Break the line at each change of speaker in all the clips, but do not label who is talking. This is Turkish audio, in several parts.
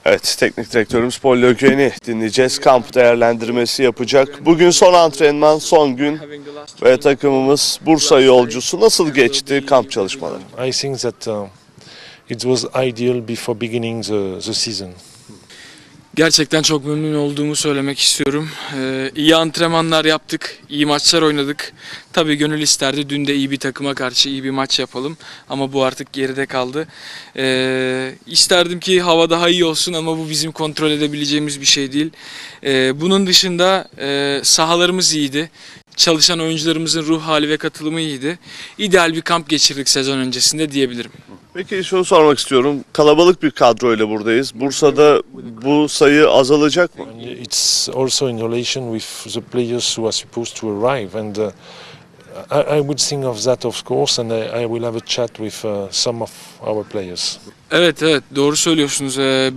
Evet, teknik direktörümüz Paul Le Guen'i dinleyeceğiz. Kamp değerlendirmesi yapacak. Bugün son antrenman, son gün ve takımımız Bursa yolcusu. Nasıl geçti kamp çalışmaları?
I think that it was ideal before beginning the season.
Gerçekten çok memnun olduğumu söylemek istiyorum. İyi antrenmanlar yaptık, iyi maçlar oynadık. Tabii gönül isterdi dün de iyi bir takıma karşı iyi bir maç yapalım. Ama bu artık geride kaldı. İsterdim ki hava daha iyi olsun ama bu bizim kontrol edebileceğimiz bir şey değil. Bunun dışında sahalarımız iyiydi. Çalışan oyuncularımızın ruh hali ve katılımı iyiydi. İdeal bir kamp geçirdik sezon öncesinde diyebilirim.
Peki şunu sormak istiyorum. Kalabalık bir kadroyla buradayız. Bursa'da bu sayı azalacak mı?
And it's also in relation with the players who are supposed to arrive. And I would think of that, of course, and I will have a chat with some of our players.
Evet doğru söylüyorsunuz.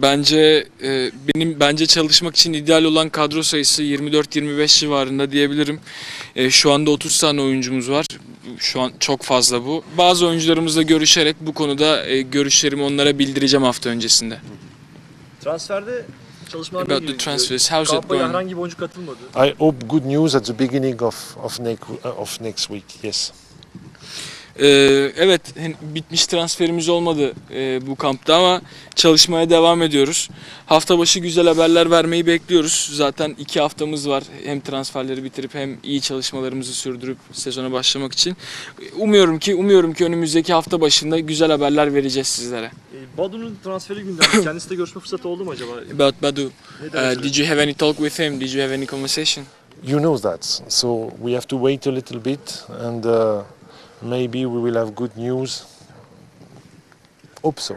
Bence çalışmak için ideal olan kadro sayısı 24-25 civarında diyebilirim. Şu anda 30 tane oyuncumuz var. Şu an çok fazla bu. Bazı oyuncularımızla görüşerek bu konuda görüşlerimi onlara bildireceğim hafta öncesinde.
Transferde çalışmalar
About the transfers, how's it
Kampaya
going?
herhangi bir oyuncu katılmadı.
I hope good news at the beginning of next week. Yes.
Evet, bitmiş transferimiz olmadı bu kampta ama çalışmaya devam ediyoruz. Hafta başı güzel haberler vermeyi bekliyoruz. Zaten 2 haftamız var hem transferleri bitirip hem iyi çalışmalarımızı sürdürüp sezona başlamak için. Umuyorum ki önümüzdeki hafta başında güzel haberler vereceğiz sizlere.
Badu'nun transferi gündemde. Kendisiyle görüşme fırsatı oldu mu acaba?
About Badu, did you have any talk with him? Did you have any conversation?
You know that. So we have to wait a little bit, and maybe we will have good news. Hope so.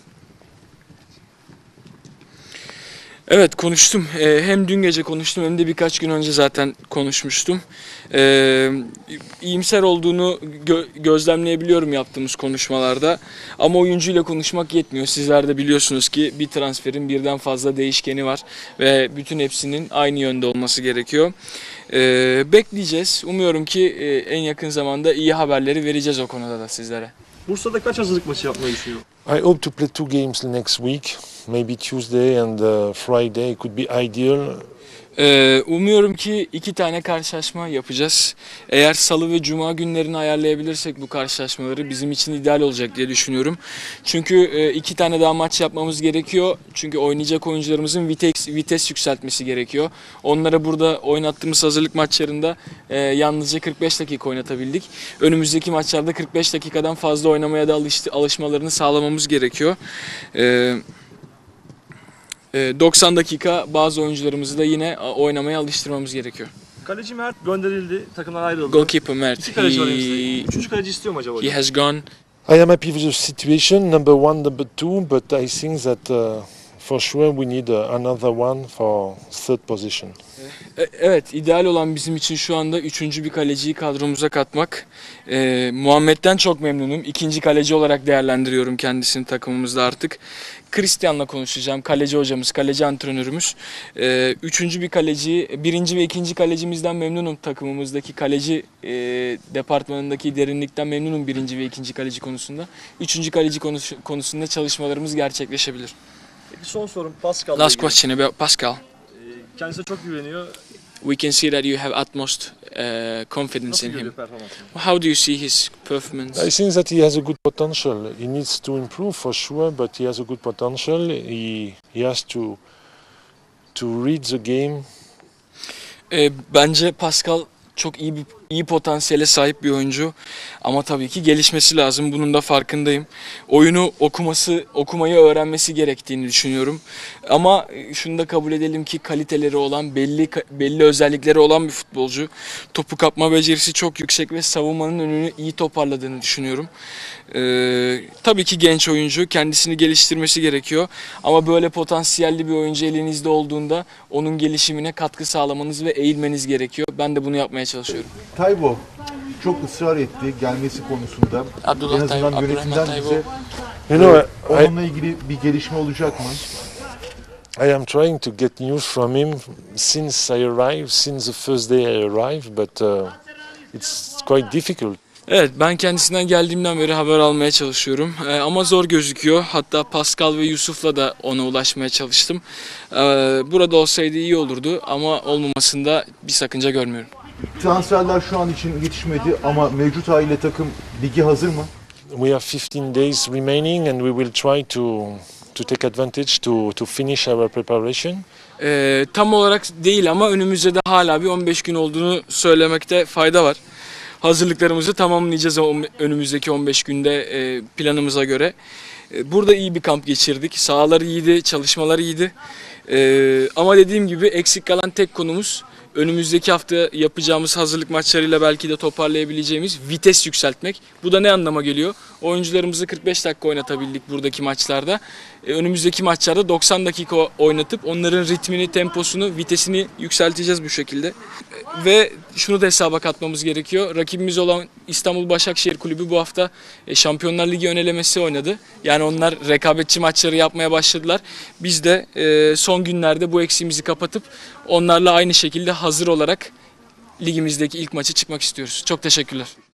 Evet konuştum. Hem dün gece konuştum hem de birkaç gün önce zaten konuşmuştum. İyimser olduğunu gözlemleyebiliyorum yaptığımız konuşmalarda. Ama oyuncuyla konuşmak yetmiyor. Sizler de biliyorsunuz ki bir transferin birden fazla değişkeni var. Ve bütün hepsinin aynı yönde olması gerekiyor. Bekleyeceğiz. Umuyorum ki en yakın zamanda iyi haberleri vereceğiz o konuda da sizlere.
Bursa'da kaç hazırlık maçı yapmayı düşünüyor?
I hope to play 2 games next week. Maybe Tuesday and Friday could be ideal.
Umuyorum ki 2 tane karşılaşma yapacağız. Eğer salı ve cuma günlerini ayarlayabilirsek bu karşılaşmaları bizim için ideal olacak diye düşünüyorum. Çünkü 2 tane daha maç yapmamız gerekiyor. Çünkü oynayacak oyuncularımızın vites yükseltmesi gerekiyor. Onlara burada oynattığımız hazırlık maçlarında yalnızca 45 dakika oynatabildik. Önümüzdeki maçlarda 45 dakikadan fazla oynamaya da alışmalarını sağlamamız gerekiyor. 90 dakika bazı oyuncularımızı da yine oynamaya alıştırmamız gerekiyor.
Kaleci Mert gönderildi, takımdan ayrıldı.
Goalkeeper Mert,
2 kaleci var elimizde. 3. kaleci istiyor mu acaba?
he has gone.
I am happy with the situation, number 1, number 2, but I think that for sure we need another one for 3rd position.
Evet, ideal olan bizim için şu anda 3. bir kaleciyi kadromuza katmak. Muhammed'den çok memnunum. 2. kaleci olarak değerlendiriyorum kendisini takımımızda artık. Christian'la konuşacağım. Kaleci hocamız, kaleci antrenörümüz. 3. bir kaleci, 1. ve 2. kalecimizden memnunum takımımızdaki kaleci departmanındaki derinlikten memnunum 1. ve 2. kaleci konusunda. 3. kaleci konusunda çalışmalarımız gerçekleşebilir.
Peki son sorum Pascal'la
Last
ilgili.
question about Pascal.
Kendisine çok güveniyor.
We can see that you have utmost confidence
Nasıl
in
görüyor
him.
performansını?
How do you see his performance?
I think that he has a good potential. He needs to improve for sure, but he has a good potential. He has to read the game.
Bence Pascal çok iyi potansiyele sahip bir oyuncu ama tabii ki gelişmesi lazım. Bunun da farkındayım. Oyunu okumayı öğrenmesi gerektiğini düşünüyorum. Ama şunu da kabul edelim ki kaliteleri olan, belli özellikleri olan bir futbolcu. Topu kapma becerisi çok yüksek ve savunmanın önünü iyi toparladığını düşünüyorum. Tabii ki genç oyuncu, kendisini geliştirmesi gerekiyor. Ama böyle potansiyelli bir oyuncu elinizde olduğunda onun gelişimine katkı sağlamanız ve eğilmeniz gerekiyor. Ben de bunu yapmaya çalışıyorum.
Taybo çok ısrar etti gelmesi konusunda.
Abdullah
En azından
Taybo,
yönetimden
Abdurrahman
bize
You know,
onunla ilgili bir gelişme olacak mı?
I am trying to get news from him since I arrived, since the first day I arrived, but it's quite difficult.
Evet, ben kendisinden geldiğimden beri haber almaya çalışıyorum. Ama zor gözüküyor. Hatta Pascal ve Yusuf'la da ona ulaşmaya çalıştım. Burada olsaydı iyi olurdu ama olmamasında bir sakınca görmüyorum.
Transferler şu an için yetişmedi ama mevcut haliyle takım ligi hazır mı?
We have 15 days remaining, and we will try to take advantage to finish our preparation.
Tam olarak değil ama önümüzde de hala bir 15 gün olduğunu söylemekte fayda var. Hazırlıklarımızı tamamlayacağız önümüzdeki 15 günde planımıza göre. Burada iyi bir kamp geçirdik. Sahalar iyiydi, çalışmalar iyiydi. Ama dediğim gibi eksik kalan tek konumuz önümüzdeki hafta yapacağımız hazırlık maçlarıyla belki de toparlayabileceğimiz vites yükseltmek. Bu da ne anlama geliyor? Oyuncularımızı 45 dakika oynatabildik buradaki maçlarda. Önümüzdeki maçlarda 90 dakika oynatıp onların ritmini, temposunu, vitesini yükselteceğiz bu şekilde. Ve şunu da hesaba katmamız gerekiyor. Rakibimiz olan İstanbul Başakşehir Kulübü bu hafta Şampiyonlar Ligi önelemesi oynadı. Yani onlar rekabetçi maçları yapmaya başladılar. Biz de son günlerde bu eksiğimizi kapatıp onlarla aynı şekilde hazır olarak ligimizdeki ilk maçı çıkmak istiyoruz. Çok teşekkürler.